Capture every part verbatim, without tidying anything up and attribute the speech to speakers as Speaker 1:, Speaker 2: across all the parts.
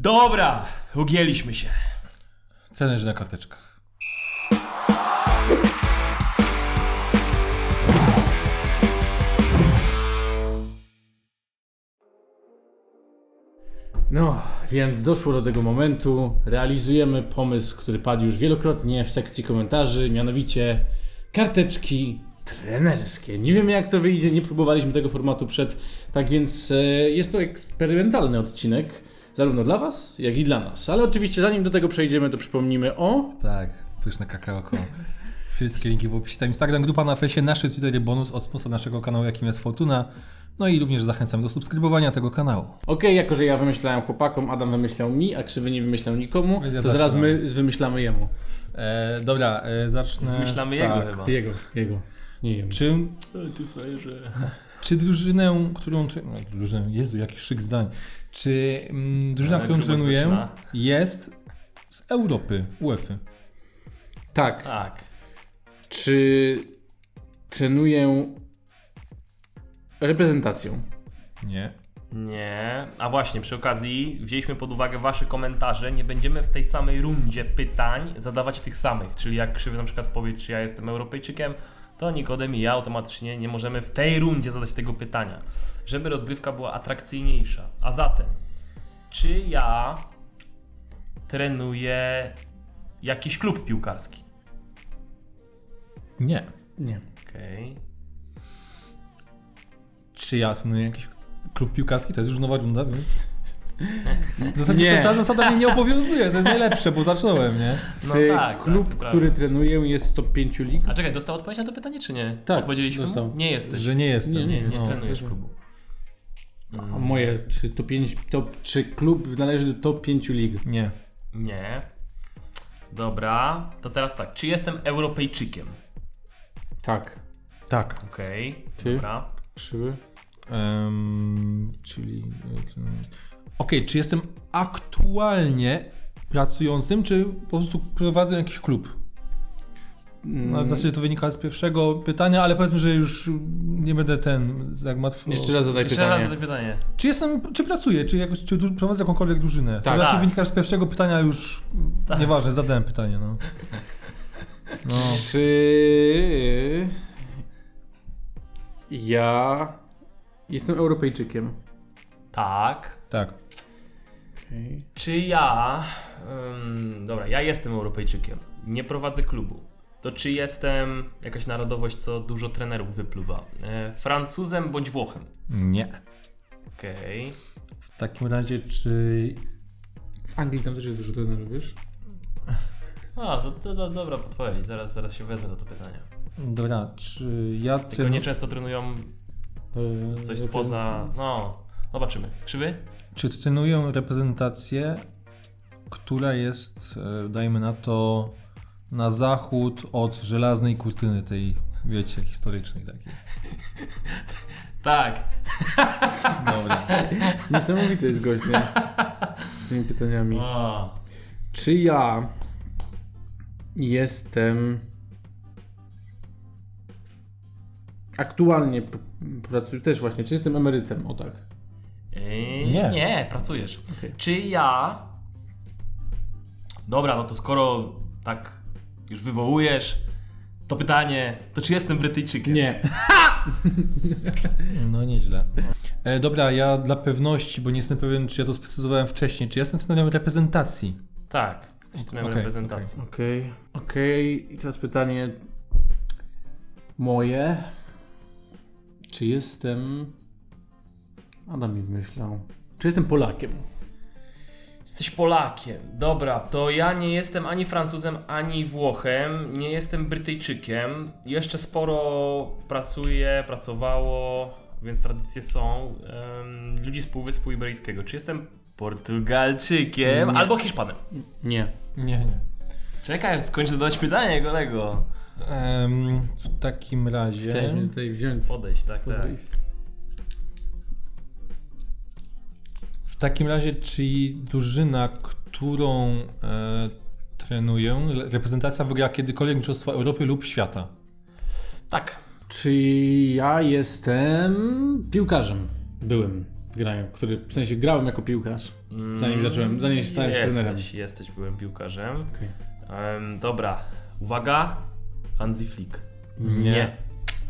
Speaker 1: Dobra, ugięliśmy się.
Speaker 2: Trenerzy na karteczkach.
Speaker 3: No, więc doszło do tego momentu. Realizujemy pomysł, który padł już wielokrotnie w sekcji komentarzy, mianowicie karteczki trenerskie. Nie wiemy, jak to wyjdzie, nie próbowaliśmy tego formatu przed, tak więc e, jest to eksperymentalny odcinek, zarówno dla Was, jak i dla nas. Ale oczywiście, zanim do tego przejdziemy, to przypomnimy o...
Speaker 2: Tak, pyszne kakaoko. Wszystkie linki w opisie. Tam Instagram, grupa na fejsie, nasze Twittery, bonus od sponsora naszego kanału, jakim jest Fortuna. No i również zachęcam do subskrybowania tego kanału.
Speaker 3: Okej, jako że ja wymyślałem chłopakom, Adam wymyślał mi, a Krzywy nie wymyślał nikomu,
Speaker 2: Więc ja
Speaker 3: to zaraz
Speaker 2: zaczynam.
Speaker 3: my wymyślamy jemu.
Speaker 2: E, dobra, e, zacznę.
Speaker 1: Zmyślamy jego chyba.
Speaker 3: Jego, jego, nie jemu.
Speaker 2: Czy,
Speaker 1: Ty frajerze.
Speaker 2: czy drużynę, którą... tre- No, drużynę, Jezu, jaki szyk zdań. Czy mm, drużyna,
Speaker 1: Ale
Speaker 2: którą
Speaker 1: grubo
Speaker 2: trenuję,
Speaker 1: zaczyna.
Speaker 2: jest z Europy, UEFA?
Speaker 3: Tak.
Speaker 1: Tak.
Speaker 3: Czy trenuję reprezentacją?
Speaker 2: Nie.
Speaker 1: Nie. A właśnie, przy okazji wzięliśmy pod uwagę wasze komentarze. Nie będziemy w tej samej rundzie pytań zadawać tych samych. Czyli jak Krzywy na przykład powie, czy ja jestem Europejczykiem, to Nikodem i ja automatycznie nie możemy w tej rundzie zadać tego pytania. Żeby rozgrywka była atrakcyjniejsza. A zatem, czy ja trenuję jakiś klub piłkarski?
Speaker 2: Nie.
Speaker 3: Nie.
Speaker 1: Okej.
Speaker 2: Czy ja trenuję jakiś klub piłkarski? To jest już nowa runda, więc... W zasadzie
Speaker 3: Nie.
Speaker 2: ta, ta zasada mnie nie obowiązuje, to jest najlepsze, bo zacząłem, nie?
Speaker 1: No
Speaker 3: Czy
Speaker 1: tak,
Speaker 3: klub,
Speaker 1: tak, to
Speaker 3: który
Speaker 1: prawda.
Speaker 3: trenuję, jest z top pięć lig?
Speaker 1: A czekaj, dostał odpowiedź na to pytanie, czy nie?
Speaker 3: Tak,
Speaker 1: Odpowiedzieliśmy mu?
Speaker 3: dostał.
Speaker 1: Nie jesteś.
Speaker 2: Że nie jestem.
Speaker 3: Nie,
Speaker 1: Nie, nie
Speaker 2: No.
Speaker 1: trenujesz klubu.
Speaker 3: A moje, czy to pięć, top, czy klub należy do top pięć lig?
Speaker 2: Nie.
Speaker 1: Nie. Dobra, to teraz tak. Czy jestem Europejczykiem?
Speaker 3: Tak.
Speaker 2: Tak.
Speaker 1: Okej,
Speaker 3: Ty?
Speaker 1: dobra.
Speaker 3: Krzywy?
Speaker 2: Um, czyli... Okej, czy jestem aktualnie pracującym, czy po prostu prowadzę jakiś klub? No, w zasadzie to wynika z pierwszego pytania, ale powiedzmy, że już nie będę ten zagmatwał.
Speaker 3: Jeszcze raz zadaj
Speaker 1: Jeszcze raz
Speaker 3: pytanie.
Speaker 1: to pytanie.
Speaker 2: Czy jestem, czy pracuję, czy, jakoś, czy du- prowadzę jakąkolwiek drużynę?
Speaker 3: Tak.
Speaker 2: To raczej
Speaker 1: Tak.
Speaker 2: wynika z pierwszego pytania już, nieważne, zadałem pytanie, no. No.
Speaker 3: Czy ja jestem Europejczykiem?
Speaker 1: Tak.
Speaker 2: Tak.
Speaker 3: Okay.
Speaker 1: Czy ja... ym, dobra, ja jestem Europejczykiem. Nie prowadzę klubu. To czy jestem jakaś narodowość, co dużo trenerów wypluwa? E, Francuzem bądź Włochem?
Speaker 2: Nie.
Speaker 1: Okej.
Speaker 2: W takim razie, czy...
Speaker 3: W Anglii tam też jest dużo trenerów, wiesz?
Speaker 1: A, to, to, to dobra podpowiedź. Zaraz, zaraz się wezmę za to pytanie.
Speaker 2: Dobra, czy ja...
Speaker 1: Tylko
Speaker 2: Trenu...
Speaker 1: nieczęsto trenują
Speaker 3: Eee,
Speaker 1: coś spoza... No, zobaczymy. Krzywy?
Speaker 2: Czy trenuję reprezentację, która jest, e, dajmy na to, na zachód od żelaznej kurtyny tej, wiecie, historycznej takiej.
Speaker 1: Tak.
Speaker 2: Dobra.
Speaker 3: Niesamowity jest gość, nie? Z tymi pytaniami.
Speaker 1: O,
Speaker 3: Czy ja jestem aktualnie p- pracuję też właśnie, czy jestem emerytem? O tak.
Speaker 1: Ej,
Speaker 2: Nie.
Speaker 1: nie, pracujesz.
Speaker 3: Okej.
Speaker 1: Czy ja... Dobra, no to skoro tak już wywołujesz to pytanie, to czy jestem Brytyjczykiem?
Speaker 3: Nie.
Speaker 2: No nieźle. E, dobra, ja dla pewności, bo nie jestem pewien, czy ja to sprecyzowałem wcześniej, czy ja jestem trenerem reprezentacji?
Speaker 1: Tak, jesteś trenerem
Speaker 2: Okej,
Speaker 1: reprezentacji.
Speaker 3: Okej, okej. I teraz pytanie moje. Czy jestem... Adam mi wymyślał. Czy jestem Polakiem?
Speaker 1: Jesteś Polakiem. Dobra, to ja nie jestem ani Francuzem, ani Włochem. Nie jestem Brytyjczykiem. Jeszcze sporo pracuję, pracowało, więc tradycje są. Um, ludzi z Półwyspu Iberyjskiego. Czy jestem Portugalczykiem
Speaker 3: Nie.
Speaker 1: albo Hiszpanem?
Speaker 3: Nie.
Speaker 2: Nie, nie.
Speaker 1: Czekaj, aż skończę zadawać pytanie, kolego.
Speaker 2: Em, w takim razie...
Speaker 3: Chciałeś mnie tutaj wziąć.
Speaker 1: Podejść, tak, tak.
Speaker 3: Podejść.
Speaker 2: W takim razie, czy drużyna, którą e, trenuję, reprezentacja wygrała kiedykolwiek Mistrzostwa Europy lub Świata?
Speaker 1: Tak.
Speaker 3: Czy ja jestem piłkarzem? Byłem. Grałem, który, w sensie grałem jako piłkarz. Zanim zacząłem, zanim się stałem się trenerem.
Speaker 1: Jesteś, jesteś, byłem piłkarzem.
Speaker 3: Okay.
Speaker 1: Um, dobra, uwaga. Hansi Flick.
Speaker 2: Nie.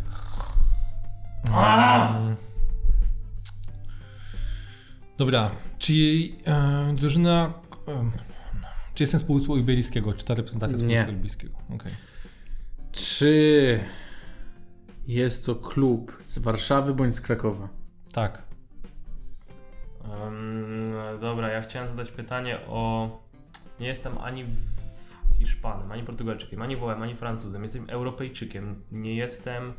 Speaker 2: Dobra, czy jej e, drużyna... E, czy jestem z Półwyspu Iberyjskiego? Czy ta reprezentacja z
Speaker 3: Nie.
Speaker 2: Półwyspu Iberyjskiego? Okay.
Speaker 3: Czy jest to klub z Warszawy bądź z Krakowa?
Speaker 2: Tak.
Speaker 1: Um, dobra, ja chciałem zadać pytanie o... Nie jestem ani w Hiszpanem, ani Portugalczykiem, ani Wołem, ani Francuzem. Jestem Europejczykiem. Nie jestem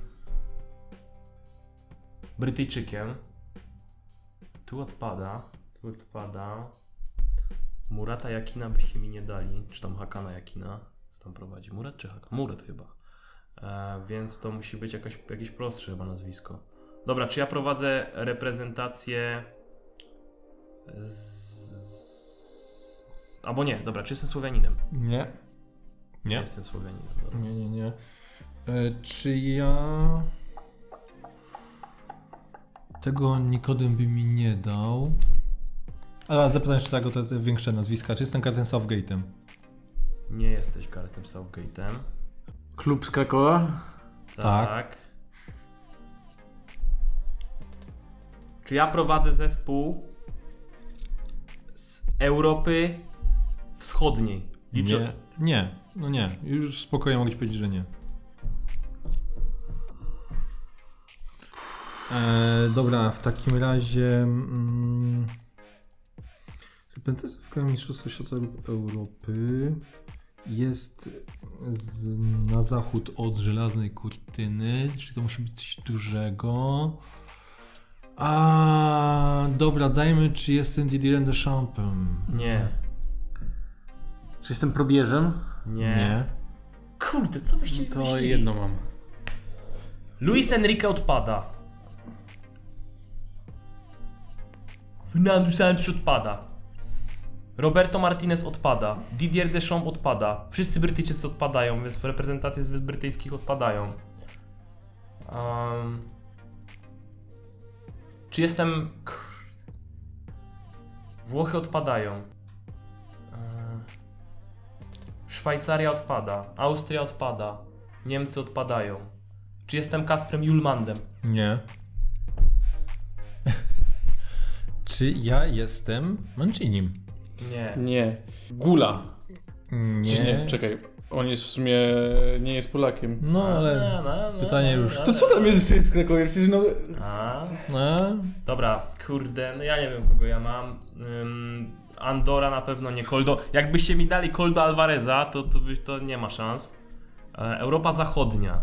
Speaker 1: Brytyjczykiem. Tu odpada. Tu odpada. Murata Jakina byście mi nie dali. Czy tam Hakana Jakina? Co tam prowadzi? Murat czy Hakan? Murat chyba. E, więc to musi być jakaś, jakieś prostsze chyba nazwisko. Dobra, czy ja prowadzę reprezentację z... z... Albo nie, dobra, czy jestem Słowianinem?
Speaker 2: Nie.
Speaker 1: Nie
Speaker 2: Nie.
Speaker 1: jestem Słowianinem. Dobra.
Speaker 2: Nie, nie, nie. E, czy ja... Tego Nikodem by mi nie dał. Ale zapytam jeszcze tak o te, te większe nazwiska. Czy jestem Kartem Southgate'em?
Speaker 1: Nie jesteś Garethem Southgate'em.
Speaker 3: Klub z Krakowa?
Speaker 2: Tak.
Speaker 1: Tak. Czy ja prowadzę zespół z Europy Wschodniej? Liczę...
Speaker 2: Nie. Nie. No nie. Już spokojnie mogę ci powiedzieć, że nie. E, dobra, w takim razie... Mm, reprezentacja w Mistrzostwa Świata lub Europy jest z, na zachód od żelaznej kurtyny, czyli to musi być coś dużego. A dobra, dajmy, czy jestem Didierem Deschamps'em.
Speaker 1: Nie.
Speaker 3: Czy jestem probierzem?
Speaker 1: Nie.
Speaker 2: Nie.
Speaker 1: Kurde, co wyście
Speaker 3: To
Speaker 1: wymyślili?
Speaker 3: jedno mam.
Speaker 1: Luis Enrique odpada. Fernando Santos odpada. Roberto Martinez odpada. Didier Deschamps odpada. Wszyscy Brytyjczycy odpadają, więc reprezentacje z Wysp Brytyjskich odpadają. Um, czy jestem... Kurde. Włochy odpadają. Um, Szwajcaria odpada. Austria odpada. Niemcy odpadają. Czy jestem Kasprem Julmandem?
Speaker 2: Nie. Czy ja jestem Mancinim?
Speaker 1: Nie.
Speaker 3: Nie. Gula.
Speaker 2: Nie.
Speaker 3: Czy nie? Czekaj. On jest w sumie... nie jest Polakiem.
Speaker 2: No ale
Speaker 1: No, no, no,
Speaker 2: pytanie
Speaker 1: no,
Speaker 2: już.
Speaker 1: no,
Speaker 3: To co tam jest jeszcze jest w Krakowie? Przecież no...
Speaker 1: A,
Speaker 2: no,
Speaker 1: dobra, kurde, no ja nie wiem kogo ja mam. Ym, Andora na pewno nie. Koldo. Jakbyście mi dali Koldo Alvareza, to, to, by, to nie ma szans. E, Europa Zachodnia.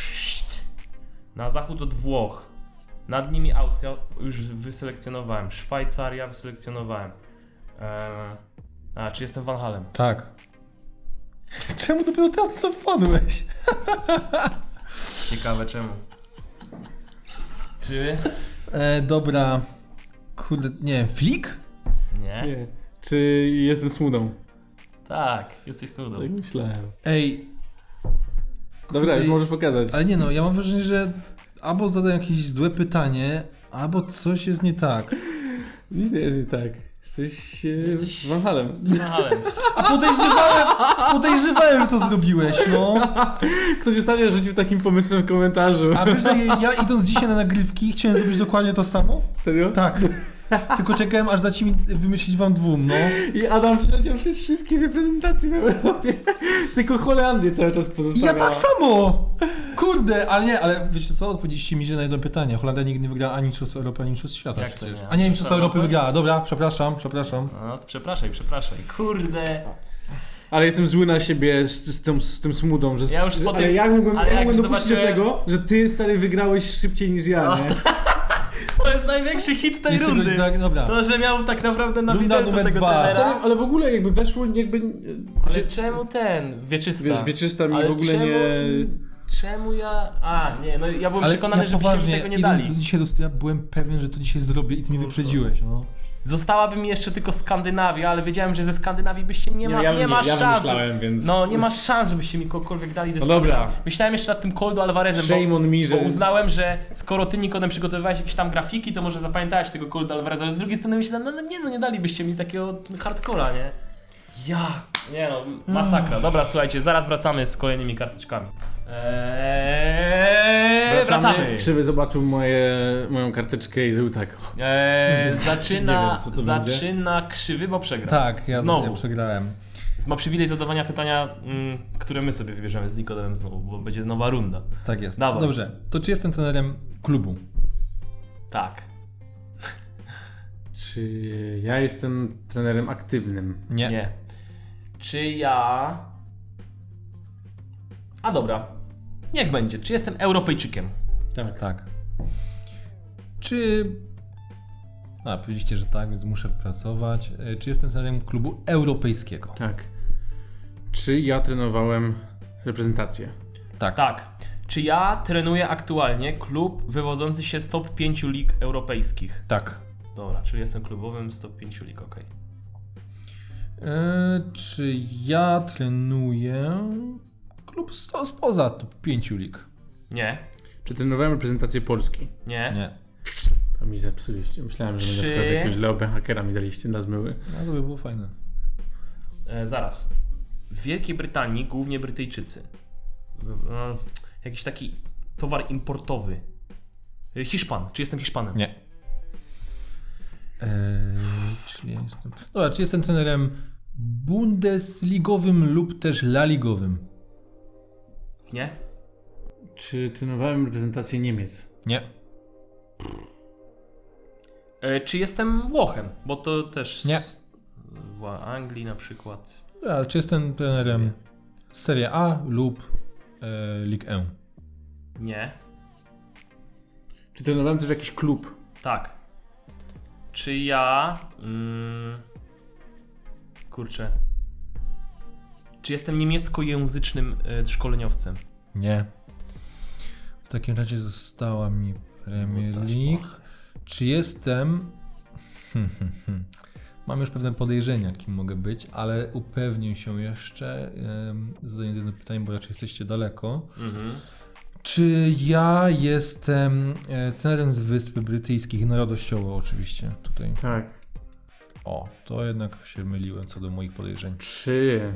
Speaker 1: Na zachód od Włoch. Nad nimi Austria, już wyselekcjonowałem. Szwajcaria wyselekcjonowałem. E, a, czy jestem Van Halem?
Speaker 2: tak. Czemu dopiero teraz na to wpadłeś?
Speaker 1: Ciekawe czemu. Czy?
Speaker 2: E, dobra. Kurde, nie, Flick?
Speaker 1: Nie?
Speaker 3: Nie. Czy jestem Smudą?
Speaker 1: Tak, jesteś cudą.
Speaker 3: Tak myślałem.
Speaker 2: Ej,
Speaker 3: Dobra, już
Speaker 2: Ej,
Speaker 3: możesz pokazać.
Speaker 2: ale nie no, ja mam wrażenie, że albo zadaję jakieś złe pytanie, albo coś jest nie tak.
Speaker 3: Nic nie jest nie tak. Jesteś... e,
Speaker 1: Jesteś-
Speaker 3: Van Halem.
Speaker 1: Van Halem.
Speaker 2: A podejrzewałem, podejrzewałem, że to zrobiłeś, no.
Speaker 3: Ktoś ostatnio rzucił takim pomysłem w komentarzu.
Speaker 2: A wiesz, że ja idąc dzisiaj na nagrywki chciałem zrobić dokładnie to samo?
Speaker 3: Serio?
Speaker 2: Tak. Tylko czekałem, aż dacie mi wymyślić wam dwóm, no.
Speaker 3: I Adam przeleciał przez wszystkie reprezentacje w Europie. Tylko Holandię cały czas
Speaker 2: I
Speaker 3: pozostawiała.
Speaker 2: ja tak samo! Kurde, ale nie, ale wiecie co, odpowiedzieliście mi źle na jedno pytanie. Holandia nigdy nie wygrała ani Mistrzostw Europy, ani Mistrzostw Świata.
Speaker 1: Jak to
Speaker 2: przecież.
Speaker 1: nie?
Speaker 2: A nie, Mistrzostwa Europy
Speaker 1: Europy?
Speaker 2: wygrała. Dobra, przepraszam, przepraszam.
Speaker 1: No to przepraszaj, przepraszaj. Kurde.
Speaker 3: Ale jestem zły na siebie z, z, tym, z tym smudą, że...
Speaker 1: Ja już
Speaker 3: że,
Speaker 1: po
Speaker 3: ale
Speaker 1: tym-
Speaker 3: jak mogłem,
Speaker 1: ale
Speaker 3: jak
Speaker 1: jak
Speaker 3: mogłem
Speaker 1: już
Speaker 3: dopuścić do
Speaker 1: zobaczyłem-
Speaker 3: tego, że ty, stary, wygrałeś szybciej niż ja, nie?
Speaker 1: To jest największy hit tej
Speaker 2: Jeszcze
Speaker 1: rundy.
Speaker 2: goś za- dobra.
Speaker 1: To, że miał tak naprawdę na
Speaker 2: Runda
Speaker 1: widelcu
Speaker 2: numer
Speaker 1: tego
Speaker 2: dwa.
Speaker 1: trenera.
Speaker 3: Stary, ale w ogóle jakby weszło, jakby...
Speaker 1: Ale czemu ten? Wieczysta.
Speaker 3: Wiesz, wieczysta mi
Speaker 1: Ale
Speaker 3: w ogóle
Speaker 1: czemu,
Speaker 3: nie...
Speaker 1: Czemu ja... A, nie, no ja byłem
Speaker 2: Ale
Speaker 1: przekonany,
Speaker 2: ja
Speaker 1: że byście mi
Speaker 2: poważnie,
Speaker 1: tego nie
Speaker 2: idąc
Speaker 1: dali.
Speaker 2: dzisiaj do studia byłem pewien, że to dzisiaj zrobię i ty mnie wyprzedziłeś, no.
Speaker 1: Zostałaby mi jeszcze tylko Skandynawia, ale wiedziałem, że ze Skandynawii byście nie ma,
Speaker 3: ja
Speaker 1: nie ma
Speaker 3: ja
Speaker 1: szans.
Speaker 3: wymyślałem, więc...
Speaker 1: No, nie ma szans, żebyście mi kogokolwiek dali ze
Speaker 3: No dobra.
Speaker 1: Skandynawii. Myślałem jeszcze nad tym Coldo Alvarezem,
Speaker 3: Shame
Speaker 1: bo,
Speaker 3: on me, że...
Speaker 1: bo uznałem, że skoro ty, Nikodem, przygotowywałeś jakieś tam grafiki, to może zapamiętałeś tego Coldo Alvareza, ale z drugiej strony myślałem, no, no nie, no nie dalibyście mi takiego hardcora, nie? Ja, nie no, masakra. Dobra, słuchajcie, zaraz wracamy z kolejnymi karteczkami. Eee, wracamy.
Speaker 3: Krzywy zobaczył moje, moją karteczkę i zrobił tak.
Speaker 1: Eee, zaczyna,
Speaker 3: Nie wiem, co to
Speaker 1: zaczyna krzywy, bo przegra.
Speaker 2: Tak, ja,
Speaker 1: Znowu.
Speaker 2: ja przegrałem.
Speaker 1: Ma przywilej zadawania pytania, mm, które my sobie wybierzemy z Nikodemem znowu, bo będzie nowa runda.
Speaker 2: Tak jest.
Speaker 1: Dawaj.
Speaker 2: Dobrze, to czy jestem trenerem klubu?
Speaker 1: Tak.
Speaker 3: Czy ja jestem trenerem aktywnym?
Speaker 2: Nie.
Speaker 1: Nie. Czy ja... A dobra. Niech będzie. Czy jestem Europejczykiem?
Speaker 3: Tak.
Speaker 2: Tak. Czy... A, powiedzieliście, że tak, więc muszę pracować. E, Czy jestem trenerem klubu europejskiego?
Speaker 3: Tak. Czy ja trenowałem reprezentację?
Speaker 2: Tak.
Speaker 1: Tak. Czy ja trenuję aktualnie klub wywodzący się z top pięciu lig europejskich?
Speaker 2: Tak.
Speaker 1: Dobra, czyli jestem klubowym z top pięciu lig, okej.
Speaker 2: E, czy ja trenuję klub sto, spoza top pięciu lig?
Speaker 1: Nie.
Speaker 3: Czy trenowałem reprezentację Polski?
Speaker 1: Nie.
Speaker 2: Nie.
Speaker 3: To mi zepsuliście. Myślałem, że
Speaker 1: Czy-
Speaker 3: na przykład jakiegoś Leo Behakera mi daliście na zmyły.
Speaker 2: No to by było fajne.
Speaker 1: E, zaraz. W Wielkiej Brytanii głównie Brytyjczycy. E, jakiś taki towar importowy. E, Hiszpan. Czy jestem Hiszpanem?
Speaker 2: Nie. Eee, czy ja jestem... Dobra, czy jestem trenerem bundesligowym lub też laligowym?
Speaker 1: Nie?
Speaker 3: Czy trenowałem reprezentację Niemiec?
Speaker 2: Nie.
Speaker 1: E, czy jestem Włochem? Bo to też...
Speaker 2: Nie.
Speaker 1: W Anglii na przykład.
Speaker 2: A, czy jestem trenerem Serie A lub e, Ligue jeden?
Speaker 1: Nie.
Speaker 3: Czy trenowałem też jakiś klub?
Speaker 1: Tak. Czy ja... Mm, kurczę. Czy jestem niemieckojęzycznym e, szkoleniowcem?
Speaker 2: Nie. W takim razie została mi Premier League. Czy jestem... Hmm, hmm, hmm. Mam już pewne podejrzenia, kim mogę być, ale upewnię się jeszcze, um, zadając jedno pytanie, bo raczej jesteście daleko.
Speaker 1: Mhm.
Speaker 2: Czy ja jestem e, trenerem z Wysp Brytyjskich, narodowościowo oczywiście tutaj.
Speaker 3: Tak.
Speaker 2: O, to jednak się myliłem co do moich podejrzeń.
Speaker 3: Czy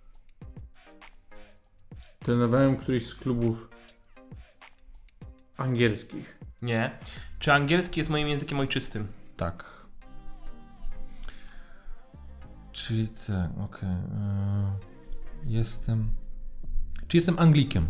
Speaker 3: trenowałem któryś z klubów angielskich?
Speaker 1: Nie. Czy angielski jest moim językiem ojczystym?
Speaker 2: Tak. Czyli tak, okej. Okay. Jestem... Czy jestem Anglikiem?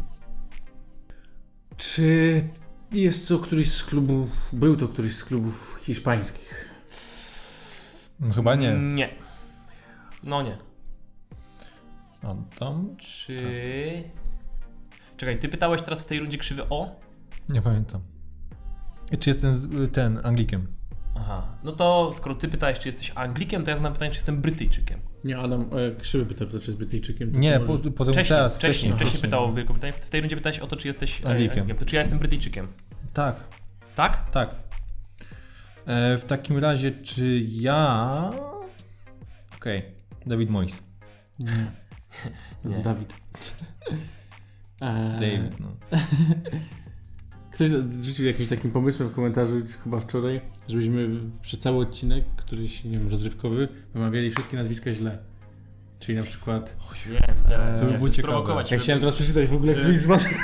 Speaker 3: Czy jest to któryś z klubów, był to któryś z klubów hiszpańskich?
Speaker 2: No, chyba nie.
Speaker 1: Nie. No nie.
Speaker 2: A tam?
Speaker 1: Czy... Czekaj, ty pytałeś teraz w tej rundzie krzywy o?
Speaker 2: Nie pamiętam. Czy jestem z, ten Anglikiem?
Speaker 1: Aha. No to skoro ty pytałeś, czy jesteś Anglikiem, to ja znam pytanie, czy jestem Brytyjczykiem.
Speaker 3: Nie, Adam, e, Krzywy pytał, czy jest Brytyjczykiem. to
Speaker 2: Nie,
Speaker 3: może-
Speaker 2: po, potem
Speaker 1: Wcześniej,
Speaker 2: teraz.
Speaker 1: wcześniej, wcześniej
Speaker 2: wcześniej.
Speaker 1: pytało w Wielką Brytanię. W tej rundzie pytałeś o to, czy jesteś e,
Speaker 2: Anglikiem.
Speaker 1: Anglikiem. To czy ja jestem Brytyjczykiem?
Speaker 2: Tak,
Speaker 1: Tak?
Speaker 2: tak. E, w takim razie, czy ja... Okej, okay. David Moyes.
Speaker 3: Nie. No to
Speaker 1: Nie.
Speaker 3: Dawid. E,
Speaker 2: David, no.
Speaker 3: Ktoś rzucił jakimś takim pomysłem w komentarzu chyba wczoraj, żebyśmy przez cały odcinek, któryś, nie wiem, rozrywkowy, wymawiali wszystkie nazwiska źle. Czyli na przykład...
Speaker 1: Wiem, wiem.
Speaker 2: To by było ciekawe.
Speaker 1: Prowokować.
Speaker 3: Ja
Speaker 1: żeby-
Speaker 3: chciałem teraz przeczytać w ogóle
Speaker 1: Że-
Speaker 3: któryś z waszych...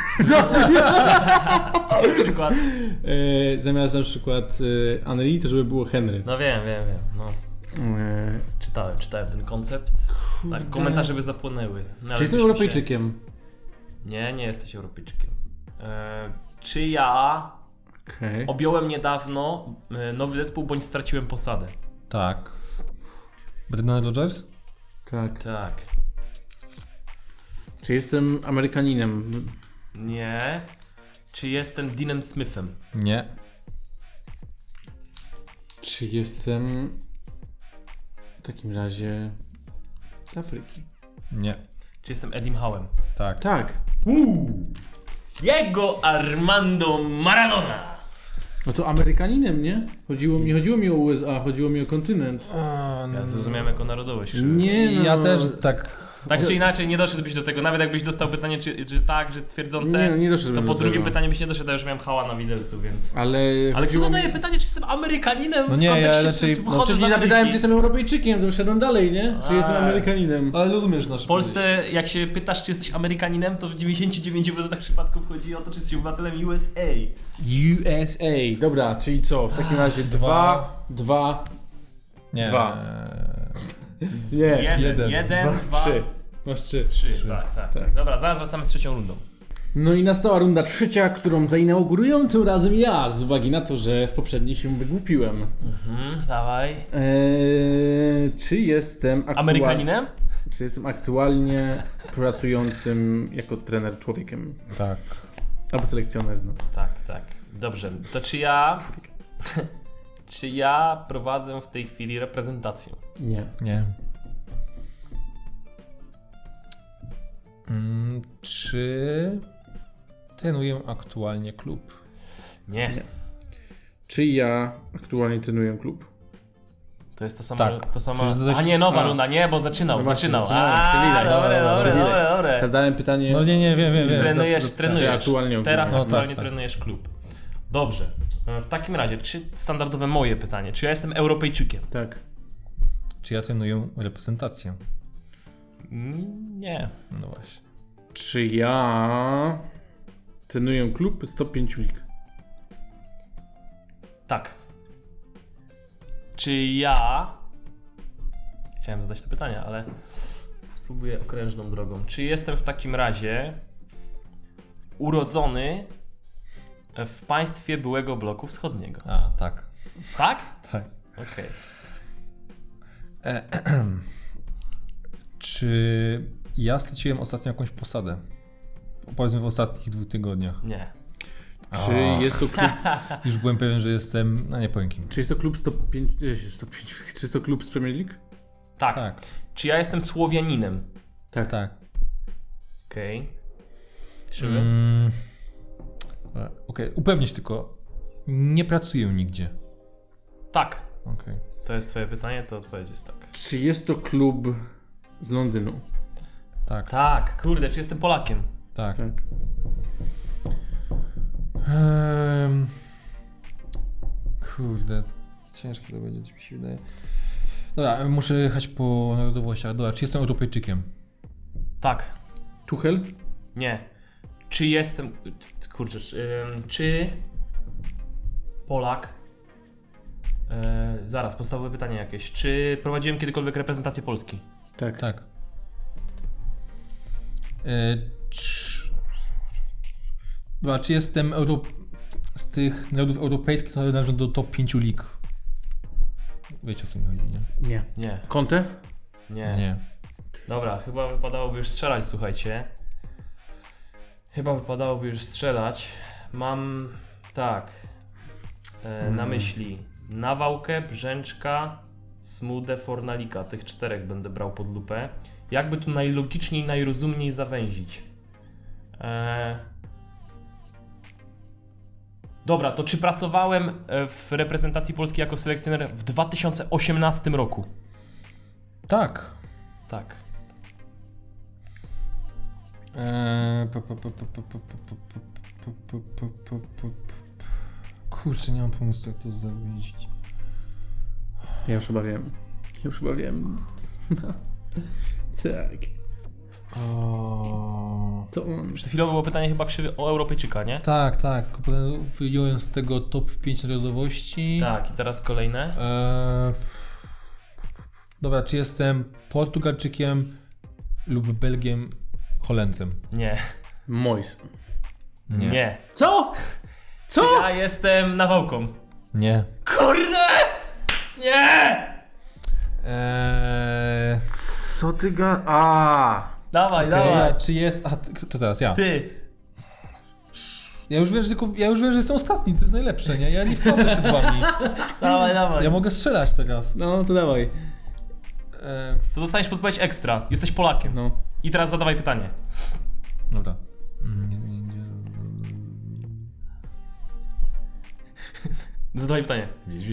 Speaker 1: Na przykład.
Speaker 3: E, zamiast na przykład e, Henry, to żeby było Henry.
Speaker 1: No wiem, wiem, wiem. No.
Speaker 3: E,
Speaker 1: Czytałem, czytałem ten koncept. Tak, komentarze by zapłonęły. No, ale
Speaker 3: czy jestem
Speaker 1: byśmy
Speaker 3: Europejczykiem?
Speaker 1: Się... Nie, nie jesteś Europejczykiem. E, czy ja
Speaker 3: Okej.
Speaker 1: objąłem niedawno e, nowy zespół, bądź straciłem posadę?
Speaker 2: Tak. Brendan Rodgers?
Speaker 3: Tak.
Speaker 1: Tak.
Speaker 3: Czy jestem Amerykaninem?
Speaker 1: Nie. Czy jestem Deanem Smithem?
Speaker 2: Nie.
Speaker 3: Czy jestem w takim razie z Afryki?
Speaker 2: Nie.
Speaker 1: Czy jestem Edim Howem?
Speaker 2: Tak.
Speaker 3: Tak.
Speaker 1: Uuu. Diego Armando Maradona!
Speaker 3: No to Amerykaninem, nie? Chodziło mi, chodziło mi o U S A, chodziło mi o kontynent.
Speaker 1: Ja zrozumiałem jako narodowość. Krzywy.
Speaker 3: Nie no.
Speaker 2: Ja też tak...
Speaker 1: Tak czy inaczej, nie doszedłbyś do tego, nawet jakbyś dostał pytanie, czy, czy tak, że twierdzące,
Speaker 3: Nie, no nie doszedłem
Speaker 1: to
Speaker 3: do
Speaker 1: po drugim
Speaker 3: tego.
Speaker 1: pytaniu byś nie doszedł, a już miałem hała na widelcu, więc...
Speaker 3: Ale...
Speaker 1: Ale kto
Speaker 3: chodziło
Speaker 1: zadaje
Speaker 3: mi-
Speaker 1: pytanie, czy jestem Amerykaninem
Speaker 2: No
Speaker 1: w
Speaker 2: nie, ja
Speaker 1: kontekście,
Speaker 2: raczej-
Speaker 1: czy
Speaker 2: no
Speaker 1: pochodzę z
Speaker 3: Wcześniej
Speaker 1: Ameryki?
Speaker 3: zapytałem, czy jestem Europejczykiem, to wyszedłem dalej, nie? Czy
Speaker 1: A.
Speaker 3: jestem Amerykaninem.
Speaker 2: Ale rozumiesz nasz
Speaker 1: W Polsce, jak się pytasz, czy jesteś Amerykaninem, to w dziewięćdziesiąt dziewięć procent przypadków chodzi o to, czy jesteś obywatelem U S A.
Speaker 3: U S A. Dobra, czyli co? W takim razie dwa, dwa,
Speaker 2: Nie.
Speaker 3: Dwa. nie.
Speaker 1: Jeden,
Speaker 2: jeden,
Speaker 1: jeden,
Speaker 3: Dwa,
Speaker 1: dwa,
Speaker 3: trzy. Masz trzy.
Speaker 1: trzy.
Speaker 2: Trzy.
Speaker 1: Tak, tak,
Speaker 3: Tak.
Speaker 1: tak. Dobra, zaraz wracamy z trzecią rundą.
Speaker 3: No i nastała runda trzecia, którą zainauguruję tym razem ja, z uwagi na to, że w poprzedniej się wygłupiłem.
Speaker 1: Mhm, dawaj.
Speaker 3: Eee, czy jestem aktua-
Speaker 1: Amerykaninem?
Speaker 3: Czy jestem aktualnie pracującym jako trener człowiekiem?
Speaker 2: Tak.
Speaker 3: Albo selekcjoner, no.
Speaker 1: Tak, tak. Dobrze, to czy ja... czy ja prowadzę w tej chwili reprezentację?
Speaker 3: Nie.
Speaker 2: Nie. Mm, czy trenuję aktualnie klub?
Speaker 1: Nie.
Speaker 3: Nie. Czy ja aktualnie trenuję klub?
Speaker 1: To jest ta sama...
Speaker 2: Tak.
Speaker 1: To sama...
Speaker 2: Przecież zaś-
Speaker 1: A nie, nowa
Speaker 3: A.
Speaker 1: runda, nie, bo zaczynał,
Speaker 3: No właśnie,
Speaker 1: zaczynał.
Speaker 3: zaczynałem,
Speaker 1: A,
Speaker 3: przywilej,
Speaker 1: dobre,
Speaker 3: dobra,
Speaker 1: dobre,
Speaker 3: przywilej.
Speaker 1: dobre, dobre.
Speaker 3: Zadałem pytanie.
Speaker 2: No nie, nie, wiem, wiem,
Speaker 1: Czy
Speaker 2: wiem.
Speaker 1: trenujesz,
Speaker 2: Za- za-
Speaker 1: trenujesz.
Speaker 3: Czy aktualnie
Speaker 1: Teraz
Speaker 2: No,
Speaker 1: aktualnie
Speaker 2: tak, tak.
Speaker 1: trenujesz klub. Dobrze. W takim razie, czy standardowe moje pytanie, czy ja jestem Europejczykiem?
Speaker 3: Tak.
Speaker 2: Czy ja trenuję reprezentację?
Speaker 1: Mm, Nie.
Speaker 2: No właśnie.
Speaker 3: Czy ja trenuję klub z top pięć lig?
Speaker 1: Tak. Czy ja... Chciałem zadać to pytanie, ale spróbuję okrężną drogą. Czy jestem w takim razie urodzony w państwie byłego bloku wschodniego?
Speaker 2: A, tak.
Speaker 1: Tak?
Speaker 2: Tak.
Speaker 1: Okej.
Speaker 2: Czy ja straciłem ostatnio jakąś posadę? Powiedzmy w ostatnich dwóch tygodniach.
Speaker 1: Nie.
Speaker 3: Czy jest to klub,
Speaker 2: Już byłem pewien, że jestem... No nie powiem kim.
Speaker 3: czy jest to klub z top pięć, e, top pięć, czy jest to klub z Premier League?
Speaker 1: Tak.
Speaker 2: Tak.
Speaker 1: Czy ja jestem Słowianinem?
Speaker 3: Tak.
Speaker 2: Tak.
Speaker 1: Okej. Krzywy?
Speaker 2: Mm. Okej, okay. Upewnić tylko. Nie pracuję nigdzie.
Speaker 1: Tak.
Speaker 2: Okej.
Speaker 1: To jest twoje pytanie, to odpowiedź jest tak.
Speaker 3: Czy jest to klub z Londynu?
Speaker 2: Tak.
Speaker 1: Tak, kurde, czy jestem Polakiem?
Speaker 2: Tak.
Speaker 3: Tak.
Speaker 2: Ehm, kurde, ciężkie to będzie, mi się wydaje. Dobra, muszę jechać po narodowościach. Dobra, czy jestem Europejczykiem?
Speaker 1: Tak.
Speaker 3: Tuchel?
Speaker 1: Nie. Czy jestem... Kurczę, czy, ym, czy Polak... E, zaraz, podstawowe pytanie jakieś. Czy prowadziłem kiedykolwiek reprezentację Polski?
Speaker 3: Tak.
Speaker 2: Tak. E, czy... Dobra, czy jestem Euro... z tych narodów europejskich, które należą do top pięć lig? Wiecie, o co mi chodzi, nie?
Speaker 3: Nie.
Speaker 1: Nie.
Speaker 3: Conte?
Speaker 1: Nie.
Speaker 2: Nie.
Speaker 1: Dobra, chyba wypadałoby już strzelać, słuchajcie. Chyba wypadałoby już strzelać. Mam... tak... E, na myśli Nawałkę, Brzęczka, Smudę, Fornalika. Tych czterech będę brał pod lupę. Jakby tu najlogiczniej, najrozumniej zawęzić? E... Dobra, to czy pracowałem e, w reprezentacji Polski jako selekcjoner w dwa tysiące osiemnastym roku?
Speaker 2: Tak.
Speaker 1: Tak.
Speaker 2: Eee, po, po, po, po, po, po, po, po, po, po, po, po, po, po. Kurczę, nie mam pomysłu, jak to zawiedzić.
Speaker 3: Ja już chyba wiem. Ja już chyba wiem. No. Tak.
Speaker 2: O...
Speaker 3: To on.
Speaker 1: Przed chwilą było pytanie chyba krzywy o Europejczyka, nie?
Speaker 2: Tak, tak. tylko potem wyjąłem z tego top pięć narodowości.
Speaker 1: Tak, i teraz kolejne.
Speaker 2: Eee, dobra, czy jestem Portugalczykiem lub Belgiem, Holendrem?
Speaker 1: Nie.
Speaker 3: Mois.
Speaker 2: Nie.
Speaker 1: Nie.
Speaker 3: Co? Co?
Speaker 1: Ja jestem Nawałką.
Speaker 2: Nie.
Speaker 1: Kurde! Nie!
Speaker 2: Eee,
Speaker 3: Co ty ga... A.
Speaker 1: Dawaj,
Speaker 2: dobra,
Speaker 1: dawaj.
Speaker 2: czy jest... A, ty- to teraz ja.
Speaker 1: Ty.
Speaker 2: Ja już wiem, że tylko, ja już wiem, że jestem ostatni, to jest najlepsze, nie? Ja nie wchodzę przed wami.
Speaker 1: Dawaj, dawaj.
Speaker 2: Ja mogę strzelać teraz.
Speaker 3: No to dawaj.
Speaker 2: Eee,
Speaker 1: To dostaniesz podpowiedź ekstra. Jesteś Polakiem.
Speaker 3: No.
Speaker 1: I teraz zadawaj pytanie.
Speaker 2: dobra.
Speaker 1: Zadawaj pytanie.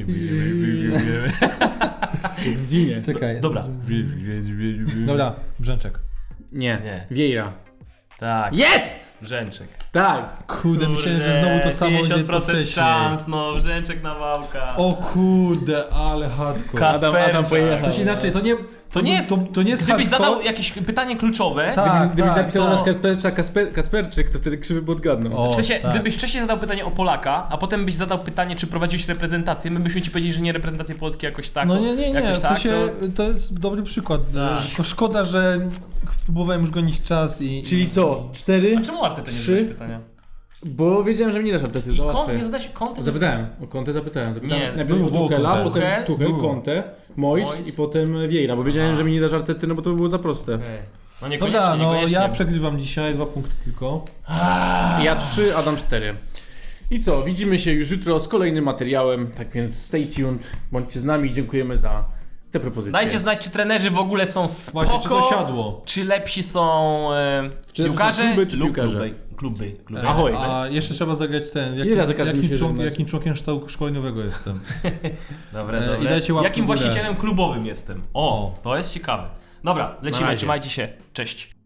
Speaker 3: W Dzinie.
Speaker 2: Czekaj.
Speaker 1: Dobra.
Speaker 2: Dobra, Brzęczek.
Speaker 3: Nie.
Speaker 1: Nie.
Speaker 3: Vieira.
Speaker 1: Tak.
Speaker 3: Jest!
Speaker 1: Brzęczek.
Speaker 3: Tak.
Speaker 2: Kurde, myślałem, że znowu to samo będzie co
Speaker 1: pięćdziesiąt procent
Speaker 2: wcześniej.
Speaker 1: szans, no, Brzęczek na wałka.
Speaker 2: O kurde, ale hardcore.
Speaker 1: Kas-
Speaker 3: Adam, Adam
Speaker 1: Kasperczak.
Speaker 3: pojechał.
Speaker 2: Coś inaczej, to nie...
Speaker 1: To nie jest,
Speaker 2: To, to nie jest
Speaker 1: gdybyś
Speaker 2: hardcore.
Speaker 1: zadał jakieś pytanie kluczowe,
Speaker 2: Tak,
Speaker 3: Gdybyś, gdybyś
Speaker 2: tak,
Speaker 3: napisał
Speaker 2: to-
Speaker 3: na Kaspercza Kasper, Kasperczyk, to wtedy krzywy by odgadnął.
Speaker 2: O,
Speaker 1: w sensie,
Speaker 2: tak.
Speaker 1: gdybyś wcześniej zadał pytanie o Polaka, a potem byś zadał pytanie, czy prowadziłeś reprezentację, my byśmy ci powiedzieli, że nie reprezentację Polski jakoś tak.
Speaker 2: No nie, nie, nie,
Speaker 1: jakoś
Speaker 2: w
Speaker 1: tak,
Speaker 2: sensie
Speaker 1: to...
Speaker 2: to jest dobry przykład.
Speaker 1: Tak.
Speaker 2: Tylko szkoda, że próbowałem już gonić czas i...
Speaker 3: Czyli co? Cztery?
Speaker 1: A czemu Arteta nie
Speaker 3: Trzy?
Speaker 1: zadałeś pytania?
Speaker 3: Bo wiedziałem, że mi nie dasz Artety, że
Speaker 1: Kont,
Speaker 3: łatwe.
Speaker 1: nie zadałeś Conte?
Speaker 3: Zapytałem, o Conte zapytałem. zapytałem.
Speaker 1: Nie,
Speaker 3: Najpierw
Speaker 2: było,
Speaker 3: o
Speaker 2: było
Speaker 3: Tuchela,
Speaker 2: Conte.
Speaker 3: potem
Speaker 1: Tuchel?
Speaker 3: Tuchel,
Speaker 2: Było.
Speaker 3: Conte, Moyes,
Speaker 1: Moyes.
Speaker 3: i potem Vieira, bo wiedziałem, że mi nie dasz Artety, no bo to by było za proste.
Speaker 1: Okay. No niekoniecznie,
Speaker 2: Dobra, no
Speaker 1: niekoniecznie.
Speaker 2: ja przegrywam dzisiaj, dwa punkty tylko.
Speaker 3: Ja trzy, Adam cztery. I co, widzimy się już jutro z kolejnym materiałem, tak więc stay tuned, bądźcie z nami, dziękujemy za te propozycje.
Speaker 1: Dajcie znać, czy trenerzy w ogóle są spoko,
Speaker 2: Właśnie, czy to siadło?
Speaker 1: czy lepsi są e,
Speaker 3: Czy
Speaker 1: piłkarze,
Speaker 3: lepsi kluby, czy
Speaker 1: lub
Speaker 3: piłkarze?
Speaker 1: kluby. Kluby, kluby.
Speaker 3: Ahoj.
Speaker 2: A jeszcze trzeba zagrać ten, jakim,
Speaker 3: Ile razy każdy
Speaker 2: jakim,
Speaker 3: musi
Speaker 2: człon,
Speaker 3: żegnać?
Speaker 2: jakim członkiem sztabu szkoleniowego jestem.
Speaker 1: Dobra,
Speaker 2: E,
Speaker 1: dobra.
Speaker 2: i dajcie łapkę
Speaker 1: Jakim
Speaker 2: w górę.
Speaker 1: właścicielem klubowym jestem? O, to jest ciekawe. Dobra, lecimy,
Speaker 3: razie.
Speaker 1: trzymajcie się, cześć.